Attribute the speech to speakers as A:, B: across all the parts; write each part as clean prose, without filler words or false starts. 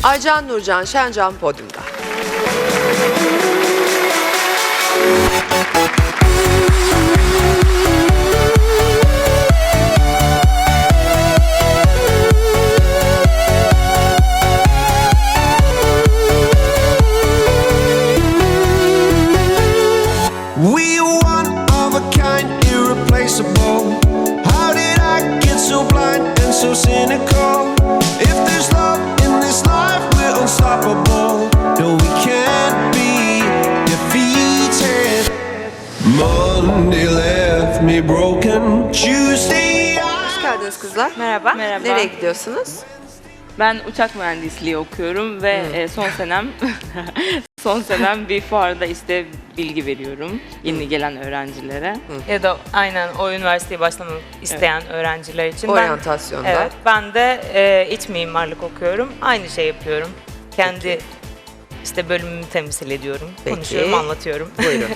A: Aycan Nurcan Şencan podyumda.
B: We are one of a kind, irreplaceable. How did I get so blind and so cynical? If there's love in this life, we're unstoppable. No, we can't be defeated. Monday left me broken. Tuesday
A: Hoş geldiniz kızlar.
C: Merhaba. Merhaba.
A: Nereye gidiyorsunuz?
C: Ben uçak mühendisliği okuyorum ve son senem bir fuarda işte bilgi veriyorum yeni gelen öğrencilere. Ya da aynen o üniversiteye başlamak isteyen öğrenciler için.
A: Oryantasyonda.
C: Ben de iç mimarlık okuyorum. Aynı şey yapıyorum. Kendi işte bölümümü temsil ediyorum.
A: Peki.
C: Konuşuyorum, anlatıyorum.
A: Buyurun.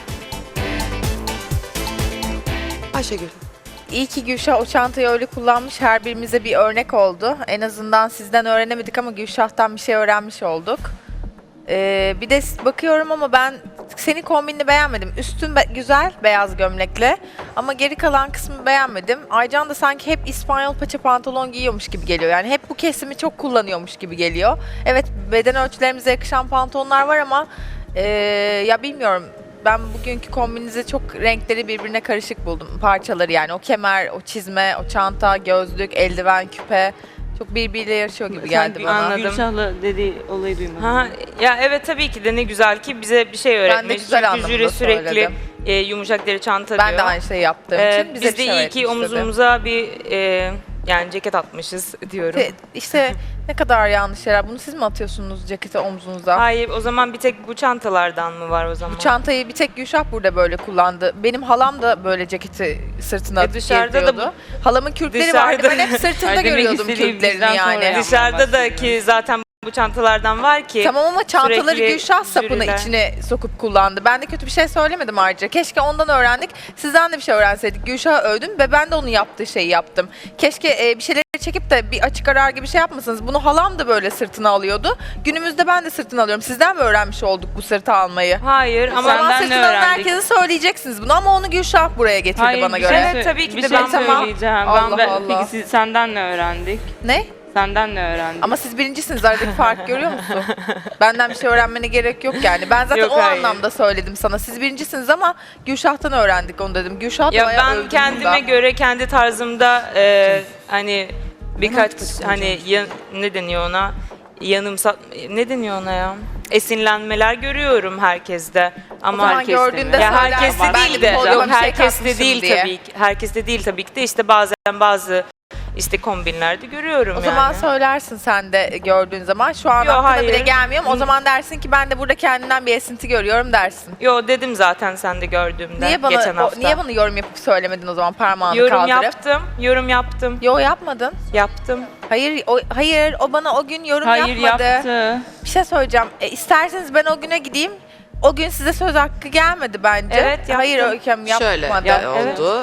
A: Ayşegül.
D: İyi ki Gülşah o çantayı öyle kullanmış, her birimize bir örnek oldu. En azından sizden öğrenemedik ama Gülşah'tan bir şey öğrenmiş olduk. Bir de bakıyorum ama ben senin kombinini beğenmedim. Üstün güzel, beyaz gömlekle ama geri kalan kısmı beğenmedim. Aycan da sanki hep İspanyol paça pantolon giyiyormuş gibi geliyor. Yani hep bu kesimi çok kullanıyormuş gibi geliyor. Evet, beden ölçülerimize yakışan pantolonlar var ama ya bilmiyorum. Ben bugünkü kombinizi çok renkleri birbirine karışık buldum. Parçaları yani o kemer, o çizme, o çanta, gözlük, eldiven, küpe çok birbiriyle yarışıyor gibi geldi bana.
C: Anladım. Gülşah'la dediği olayı duymadım. Ha, ya evet tabii ki de ne güzel ki bize bir şey öğretmiş.
D: Ben de güzel
C: Çünkü
D: anlamda
C: jüri sürekli
D: söyledim.
C: Yumuşak deri çanta diyor.
D: Ben de aynı şeyi yaptığım için bize
C: Biz
D: bir
C: de
D: şey
C: iyi
D: öğretmiş
C: ki
D: dedi.
C: omuzumuza bir yani ceket atmışız diyorum.
D: İşte ne kadar yanlış şeyler. Bunu siz mi atıyorsunuz ceketi omzunuza?
C: Hayır, o zaman bir tek bu çantalardan mı var o zaman?
D: Bu çantayı bir tek Gülşah burada böyle kullandı. Benim halam da böyle ceketi sırtına atıp
C: dışarıda da
D: geziyordu. Halamın kürkleri vardı. Ben hep sırtında
C: Ay, demek
D: görüyordum
C: istediğim
D: kürklerini
C: bizden sonra
D: yani.
C: yapmaya Dışarıda da ki zaten bu çantalardan var ki.
D: Tamam ama çantaları
C: sürekli
D: Gülşah sapını
C: jüriler-
D: içine sokup kullandı. Ben de kötü bir şey söylemedim ayrıca. Keşke ondan öğrendik. Sizden de bir şey öğrenseydik. Gülşah'ı övdüm ve ben de onun yaptığı şeyi yaptım. Keşke bir şeyleri çekip de bir açık arar gibi şey yapmasanız. Bunu halam da böyle sırtına alıyordu. Günümüzde ben de sırtına alıyorum. Sizden mi öğrenmiş olduk bu sırtı almayı?
C: Hayır ama
D: Ama
C: senden ne
D: sırtına alan
C: öğrendik?
D: herkese söyleyeceksiniz bunu ama onu Gülşah buraya getirdi
C: Hayır,
D: bana
C: bir
D: göre.
C: şey
D: Evet.
C: Evet, tabii ki
D: bir
C: de
D: şey
C: ben
D: tamam.
C: söyleyeceğim.
D: Allah
C: Ben,
D: Allah.
C: Peki senden ne öğrendik?
D: Ne?
C: Senden ne öğrendik?
D: Ama siz birincisiniz, aradaki fark görüyor musun? Benden bir şey öğrenmene gerek yok yani. Ben zaten
C: Yok,
D: o
C: hayır.
D: anlamda söyledim sana. Siz birincisiniz ama Gülşah'tan öğrendik onu dedim. Gülşah da
C: Ya
D: bayağı
C: ben
D: övdüm
C: kendime
D: burada.
C: göre kendi tarzımda hani birkaç hani ne deniyor ona? Ne deniyor ona ya? Esinlenmeler görüyorum herkeste. Ama
D: zaman
C: herkeste
D: gördüğünde
C: mi? Ya
D: söylersin,
C: herkeste
D: ben
C: değil
D: de
C: de.
D: podyuma
C: Yok,
D: bir şey
C: herkeste
D: katmışım
C: değil
D: diye.
C: tabii ki. Herkeste değil tabii ki de işte bazen bazı işte kombinlerde görüyorum
D: O
C: yani.
D: zaman söylersin sen de gördüğün zaman. Şu an
C: Yo,
D: aklına
C: hayır.
D: bile gelmiyorum. O zaman dersin ki ben de burada kendimden bir esinti görüyorum dersin.
C: Yo dedim zaten sen de gördüğümde geçen hafta.
D: Niye bana yorum yapıp söylemedin o zaman parmağını
C: yorum
D: kaldırıp?
C: yorum yaptım.
D: Yo yapmadın.
C: Yaptım.
D: Hayır o bana o gün yorum
C: Hayır
D: yapmadı.
C: yaptı.
D: Bir şey söyleyeceğim. İsterseniz ben o güne gideyim. O gün size söz hakkı gelmedi bence.
C: Evet, yaptım.
D: Hayır Öyküm yapmadı.
A: Şöyle oldu.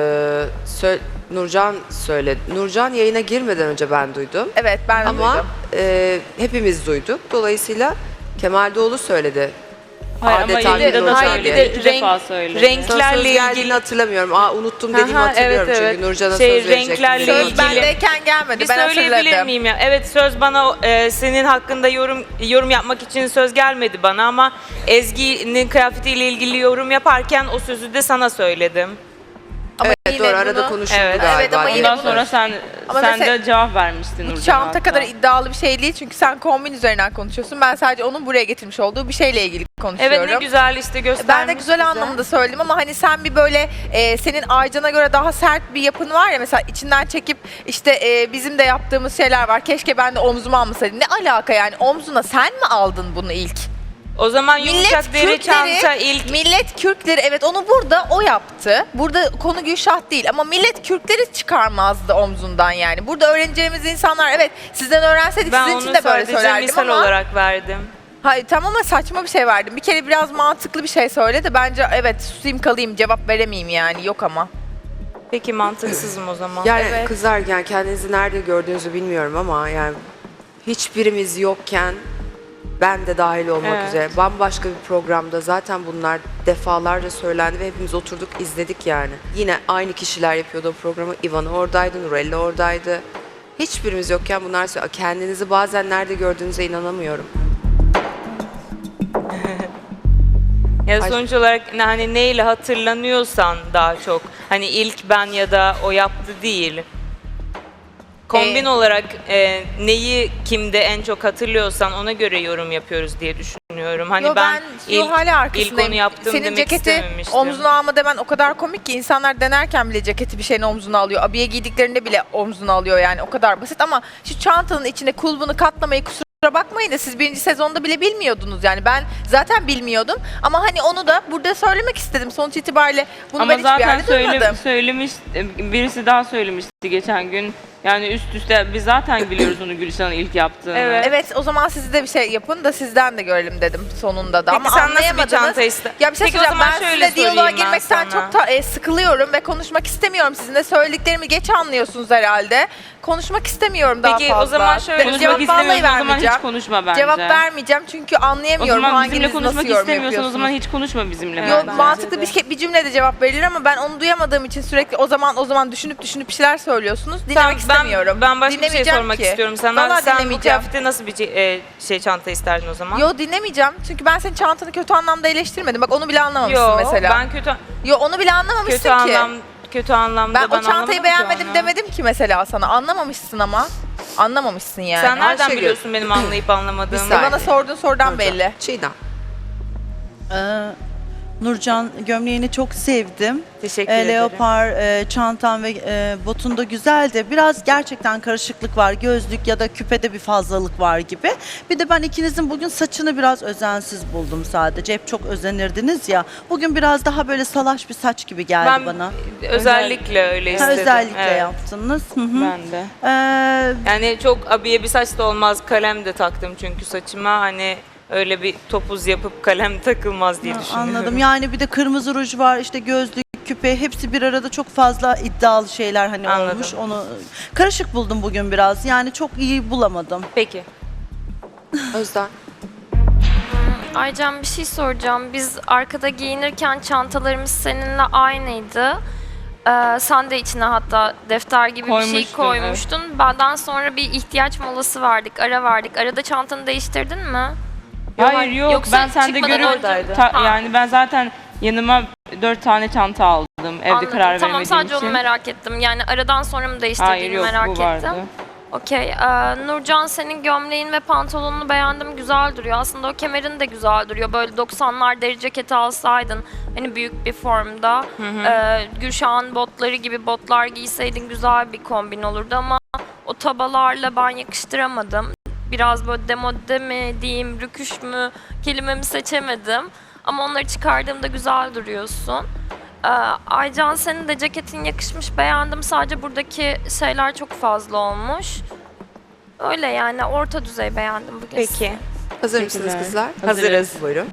A: Nurcan söyledi. Nurcan yayına girmeden önce ben duydum.
D: Evet ben de
A: Ama
D: duydum.
A: hepimiz duyduk. Dolayısıyla Kemal Doğulu söyledi.
C: Hayır ama
A: Adeta
C: yayında da
A: Nurcan
C: söyledi.
A: diye.
C: İki defa söyledi.
A: Sana söz
C: Renklerle
A: geldiğini
C: ilgili.
A: hatırlamıyorum. Unuttum dediğimi
C: Aha,
A: hatırlıyorum
C: evet,
A: çünkü
C: evet.
A: Nurcan'a
C: Şey,
A: söz verecektim.
C: renklerle
A: Söz
C: ilgili-
D: Bendeyken gelmedi.
C: Bir
D: Ben
C: söyleyebilir
D: hatırladım.
C: miyim ya? Evet söz bana senin hakkında yorum yapmak için söz gelmedi bana ama Ezgi'nin kıyafetiyle ilgili yorum yaparken o sözü de sana söyledim.
D: Ama
A: Evet
D: yine
A: doğru arada
D: bunu-
A: konuşuldu
C: Evet.
A: galiba.
D: Evet, ama yine
C: Ondan
D: bunu-
C: sonra sen
D: Ama
C: de
D: mesela-
C: cevap vermiştin
D: Bu
C: Nurcan'a
D: çanta
C: hatta.
D: kadar iddialı bir şey değil çünkü sen kombin üzerinden konuşuyorsun. Ben sadece onun buraya getirmiş olduğu bir şeyle ilgili konuşuyorum.
C: Evet ne güzel işte göstermiş
D: Ben de güzel
C: bize.
D: anlamda söyledim ama hani sen bir böyle senin Aycan'a göre daha sert bir yapın var ya mesela içinden çekip işte bizim de yaptığımız şeyler var. Keşke ben de omzuma almasaydım. Ne alaka yani omzuna sen mi aldın bunu ilk?
C: O zaman yumuşak deri çanta ilk
D: millet kürkleri evet onu burada o yaptı. Burada konu Gülşah değil ama millet kürkleri çıkarmazdı omzundan yani. Burada öğreneceğimiz insanlar evet sizden öğrenseydik
C: ben
D: sizin
C: onu
D: için de böyle
C: sadece
D: söylerdim
C: misal
D: ama.
C: olarak verdim.
D: Hayır tamam ama saçma bir şey verdim. Bir kere biraz mantıklı bir şey söyle de bence evet susayım kalayım cevap veremeyeyim yani yok ama.
C: Peki mantıksızım o zaman.
A: Yani
D: Evet.
A: kızlar yani kendinizi nerede gördüğünüzü bilmiyorum ama yani hiçbirimiz yokken ben de dahil olmak
C: Evet.
A: üzere bambaşka bir programda zaten bunlar defalarca söylendi ve hepimiz oturduk izledik yani. Yine aynı kişiler yapıyordu o programı. Ivana oradaydı, Nurella oradaydı. Hiçbirimiz yokken bunlar söylüyor. Kendinizi bazen nerede gördüğünüze inanamıyorum.
C: Ya sonuç olarak hani neyle hatırlanıyorsan daha çok. Hani ilk ben ya da o yaptı değil. Kombin olarak neyi kimde en çok hatırlıyorsan ona göre yorum yapıyoruz diye düşünüyorum. Hani
D: Yo, ben hala
C: ilk
D: arkasındayım.
C: onu yaptım
D: Senin
C: demek
D: ceketi
C: istememiştim.
D: omzuna alma demen o kadar komik ki insanlar denerken bile ceketi bir şeyin omzuna alıyor. Abiye giydiklerinde bile omzuna alıyor yani o kadar basit ama şu çantanın içine kulbunu katlamayı kusura bakmayın da siz birinci sezonda bile bilmiyordunuz yani ben zaten bilmiyordum ama hani onu da burada söylemek istedim sonuç itibariyle bunu
C: Ama
D: ben hiçbir
C: zaten
D: yerde duymadım.
C: söylemiş, birisi daha söylemişti geçen gün. Yani üst üste biz zaten biliyoruz onu Gülşah'ın ilk yaptığını.
D: Evet o zaman siz de bir şey yapın da sizden de görelim dedim sonunda da.
C: Peki
D: Ama
C: sen nasıl bir
D: anlayamadınız.
C: çanta iste?
D: Ya bir şey
C: Peki o
D: söyleyeceğim
C: zaman
D: ben
C: şöyle
D: sizinle diyaloğa
C: sorayım ben
D: girmekten
C: sana.
D: çok sıkılıyorum ve konuşmak istemiyorum. Sizinle söylediklerimi geç anlıyorsunuz herhalde. Konuşmak istemiyorum daha
C: Peki
D: fazla.
C: o zaman şöyle
D: Cevap
C: konuşmak
D: vallahi
C: istemiyorsan o zaman
D: vermeyeceğim.
C: hiç konuşma bence.
D: Cevap vermeyeceğim çünkü
C: O
D: anlayamıyorum
C: zaman
D: hanginiz
C: bizimle
D: nasıl
C: konuşmak
D: yorum
C: istemiyorsan o
D: yapıyorsunuz.
C: zaman hiç konuşma bizimle.
D: Yo,
C: bence.
D: mantıklı bir cümlede cevap verilir ama ben onu duyamadığım için sürekli o zaman düşünüp bir şeyler söylüyorsunuz. Dinlemek istemiyorum.
C: Ben başka bir şey
D: Dinlemeyeceğim
C: sormak
D: ki.
C: istiyorum sana.
D: Vallahi
C: Sen bu
D: dinlemeyeceğim.
C: kıyafette nasıl bir şey çanta isterdin o zaman?
D: Yo dinlemeyeceğim. Çünkü ben senin çantanı kötü anlamda eleştirmedim. Bak onu bile anlamamışsın
C: Yo,
D: mesela.
C: ben
D: Yo onu bile anlamamışsın ki.
C: kötü anlamda
D: Ben o çantayı
C: anlamadım ki
D: beğenmedim
C: onu.
D: demedim ki mesela sana. Anlamamışsın ama. Anlamamışsın yani.
C: Sen nereden
A: Ayşegül.
C: biliyorsun benim anlayıp anlamadığımı?
A: Bir saniye.
D: Bana sorduğun sorudan
A: Nurcan.
D: belli.
A: Çiğdem.
E: Nurcan gömleğini çok sevdim.
C: Teşekkür ederim.
E: Leopar çantan ve botun da güzeldi. Biraz gerçekten karışıklık var. Gözlük ya da küpede bir fazlalık var gibi. Bir de ben ikinizin bugün saçını biraz özensiz buldum sadece. Hep çok özenirdiniz ya. Bugün biraz daha böyle salaş bir saç gibi geldi
C: Ben
E: bana.
C: özellikle öyle
E: Ha,
C: istedim.
E: özellikle
C: Evet,
E: yaptınız. Hı hı.
C: Ben de.
E: Ee,
C: Yani çok abiye bir saç da olmaz. Kalem de taktım çünkü saçıma hani öyle bir topuz yapıp kalem takılmaz diye düşünüyorum.
E: Anladım. Yani bir de kırmızı ruj var, işte gözlük, küpe, hepsi bir arada çok fazla iddialı şeyler hani
C: Anladım.
E: olmuş. Onu karışık buldum bugün biraz. Yani çok iyi bulamadım.
C: Peki.
A: Özden.
F: Aycan bir şey soracağım. Biz arkada giyinirken çantalarımız seninle aynıydı. Sen de içine hatta defter gibi bir şey
C: Koymuştum,
F: koymuştun. Benden sonra bir ihtiyaç molası verdik, ara verdik. Arada çantanı değiştirdin mi?
C: Hayır yok
F: Yoksa
C: ben sende
F: çıkmadan
C: görüp
F: oradaydı. Ha.
C: yani ben zaten yanıma 4 tane çanta aldım evde
F: Anladım.
C: karar
F: Tamam
C: veremediğim
F: sadece
C: için.
F: onu merak ettim. Yani aradan sonra mı
C: Hayır
F: değiştirdiğini
C: yok
F: merak
C: bu
F: ettim.
C: vardı.
F: Okey. Nurcan senin gömleğin ve pantolonunu beğendim. Güzel duruyor. Aslında o kemerin de güzel duruyor. Böyle 90'lar deri ceketi alsaydın. Hani büyük bir formda. Gülşah'ın botları gibi botlar giyseydin güzel bir kombin olurdu ama o tabalarla ben yakıştıramadım. Biraz böyle demode mi diyeyim, rüküş mü kelimemi seçemedim. Ama onları çıkardığımda güzel duruyorsun. Aycan senin de ceketin yakışmış, beğendim. Sadece buradaki şeyler çok fazla olmuş. Öyle yani orta düzey beğendim bugün.
C: Peki.
A: Hazır mısınız
C: Teşekkürler.
A: kızlar?
C: Hazırız.
A: Buyurun.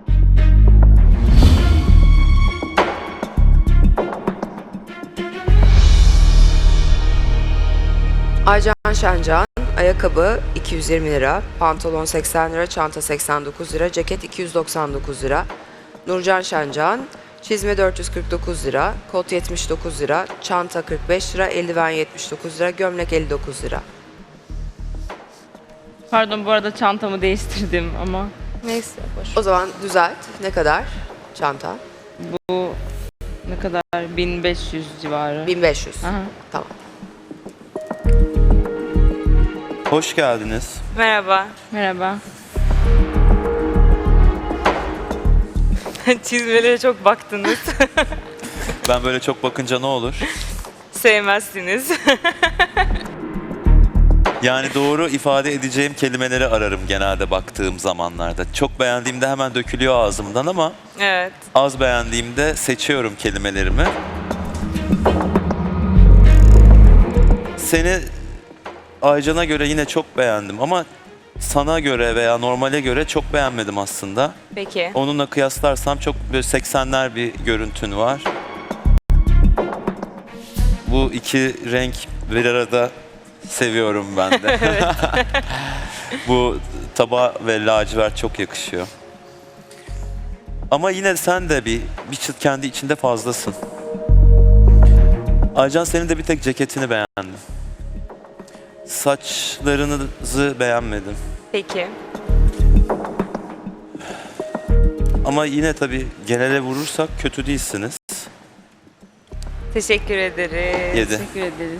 A: Aycan Şencan, ayakkabı 220 lira, pantolon 80 lira, çanta 89 lira, ceket 299 lira. Nurcan Şencan, çizme 449 lira, kot 79 lira, çanta 45 lira, eldiven 79 lira, gömlek 59 lira.
C: Pardon bu arada çantamı değiştirdim ama
A: Neyse. O zaman düzelt. Ne kadar çanta?
C: bu ne kadar 1500 civarı.
A: 1500.
C: Aha.
A: Tamam.
G: Hoş geldiniz.
C: Merhaba. Merhaba. Çizmelere çok baktınız.
G: Ben böyle çok bakınca ne olur?
C: Sevmezsiniz.
G: Yani doğru ifade edeceğim kelimeleri ararım genelde baktığım zamanlarda. Çok beğendiğimde hemen dökülüyor ağzımdan ama
C: Evet.
G: az beğendiğimde seçiyorum kelimelerimi. Seni Aycan'a göre yine çok beğendim ama sana göre veya normale göre çok beğenmedim aslında.
C: Peki.
G: Onunla kıyaslarsam çok böyle 80'ler bir görüntün var. Bu iki renk bir arada seviyorum ben de. Bu tabağa ve lacivert çok yakışıyor. Ama yine sen de bir çıt kendi içinde fazlasın. Aycan, senin de bir tek ceketini beğendim. Saçlarınızı beğenmedim.
C: Peki.
G: Ama yine tabii genele vurursak kötü değilsiniz.
C: Teşekkür ederiz.
G: 7.
C: Teşekkür ederiz.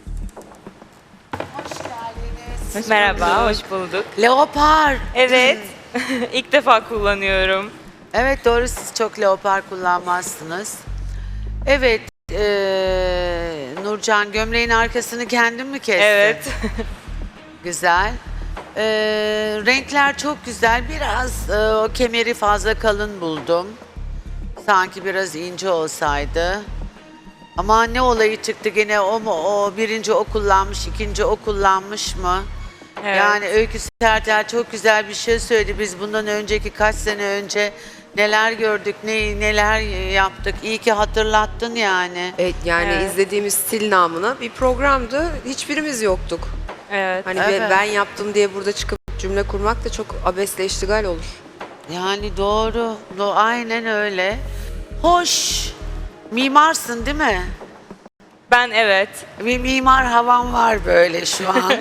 C: Merhaba, hoş bulduk.
H: Leopar.
C: Evet, ilk defa kullanıyorum.
H: Evet doğru, siz çok leopar kullanmazsınız. Evet, Nurcan, gömleğin arkasını kendin mi kestin?
C: Evet.
H: Güzel. Renkler çok güzel. Biraz o kemeri fazla kalın buldum. Sanki biraz ince olsaydı. Ama ne olayı çıktı gene, o mu o, birinci o kullanmış, ikinci o kullanmış mı?
C: Evet.
H: Yani Öykü Sertel çok güzel bir şey söyledi. Biz bundan önceki kaç sene önce neler gördük, neler yaptık. İyi ki hatırlattın yani.
A: Evet, yani
C: Evet.
A: izlediğimiz stil namına bir programdı. Hiçbirimiz yoktuk.
C: Evet.
A: Hani
H: Evet.
A: ben yaptım diye burada çıkıp cümle kurmak da çok abesle iştigal olur.
H: Yani doğru, aynen öyle. Hoş, mimarsın değil mi?
C: Ben evet.
H: Bir mimar havan var böyle şu an.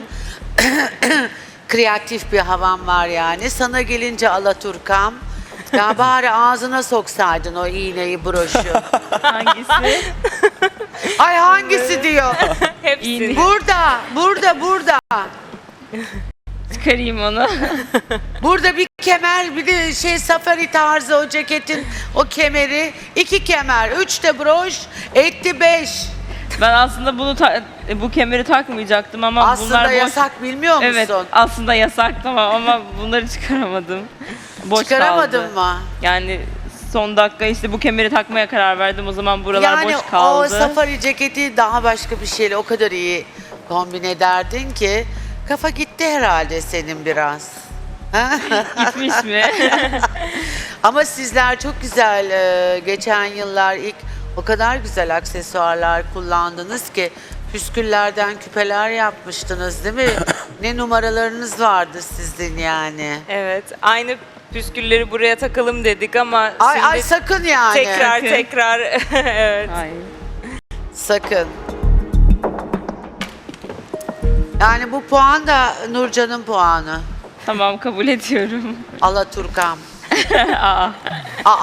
H: Kreatif bir havan var yani. Sana gelince Alaturkam. Ya bari ağzına soksaydın o iğneyi, broşu.
C: Hangisi?
H: Ay hangisi diyor.
C: Hepsini.
H: Burada.
C: Çıkarayım onu.
H: Burada bir kemer, bir de safari tarzı o ceketin o kemeri. 2 kemer, 3 de broş, etti 5.
C: Ben aslında bu kemeri takmayacaktım ama bunlar
H: Aslında
C: boş.
H: yasak, bilmiyor musun?
C: Evet, aslında yasak tamam ama bunları çıkaramadım. Boş
H: Çıkaramadın
C: kaldı.
H: mı?
C: Yani son dakika işte bu kemeri takmaya karar verdim. O zaman buralar
H: Yani
C: boş kaldı.
H: o safari ceketi daha başka bir şeyle o kadar iyi kombin ederdin ki kafa gitti herhalde senin biraz.
C: Gitmiş mi?
H: Ama sizler çok güzel, geçen yıllar ilk o kadar güzel aksesuarlar kullandınız ki püsküllerden küpeler yapmıştınız değil mi? Ne numaralarınız vardı sizin yani.
C: Evet. Aynı püskülleri buraya takalım dedik ama
H: Ay
C: şimdi
H: sakın yani.
C: tekrar evet.
H: Sakın. Yani bu puan da Nurcan'ın puanı.
C: Tamam kabul ediyorum.
H: Alaturkam.
C: Aa.
H: Aa.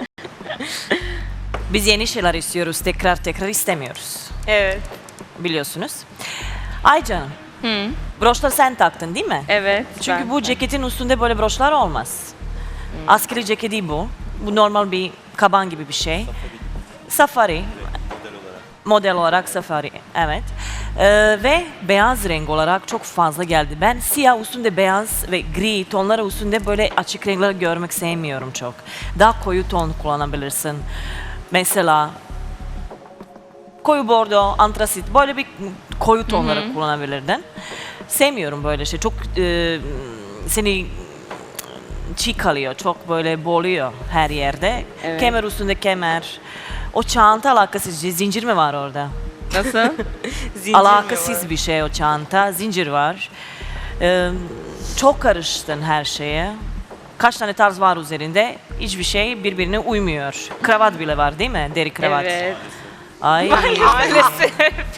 I: Biz yeni şeyler istiyoruz, tekrar istemiyoruz.
C: Evet.
I: Biliyorsunuz. Ay canım, broşları sen taktın değil mi?
C: Evet.
I: Çünkü bu ceketin üstünde böyle broşlar olmaz. Askeri ceketi bu. Bu normal bir kaban gibi bir şey. Safari. Model olarak safari, evet. Ve beyaz renk olarak çok fazla geldi. Ben siyah üstünde beyaz ve gri tonları üstünde böyle açık renkler görmek sevmiyorum çok. Daha koyu ton kullanabilirsin. Mesela koyu bordo, antrasit böyle bir koyu tonları kullanabilirdin. Sevmiyorum böyle şey. Çok seni çiğ kalıyor. Çok böyle boğuluyor her yerde.
C: Evet.
I: Kemer üstünde kemer. O çanta alakasız. Zincir mi var orada?
C: Nasıl? Zincir
I: Alakasız bir şey o çanta. Zincir var. Çok karıştın her şeye. Kaç tane tarz var üzerinde. Hiçbir şey birbirine uymuyor. Kravat bile var değil mi? Deri kravat.
C: Evet.
I: Ay.
C: Maalesef.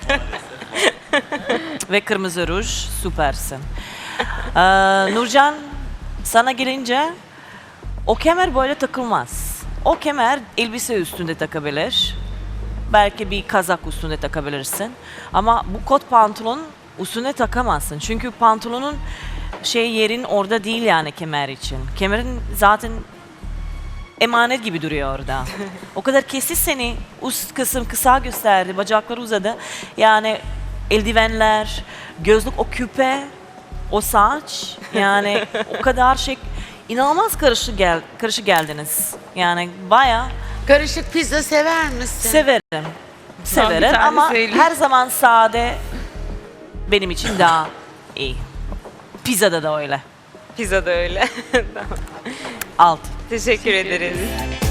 I: Ve kırmızı ruj. Süpersin. Nurcan, sana gelince o kemer böyle takılmaz. O kemer elbise üstünde takabilir. Belki bir kazak üstünde takabilirsin. Ama bu kot pantolon üstüne takamazsın. Çünkü pantolonun yerin orada değil yani kemer için. Kemerin zaten emanet gibi duruyor orada. O kadar kesti seni, üst kısım kısa gösterdi, bacakları uzadı. Yani eldivenler, gözlük, o küpe, o saç, yani o kadar inanılmaz karışık geldiniz. Yani bayağı
H: Karışık pizza sever misin?
I: severim. Severim
C: tane
I: ama
C: söyleyeyim.
I: her zaman sade benim için daha iyi. Pizzada da öyle.
C: Pizza da öyle.
I: Alt.
C: Teşekkür ederiz.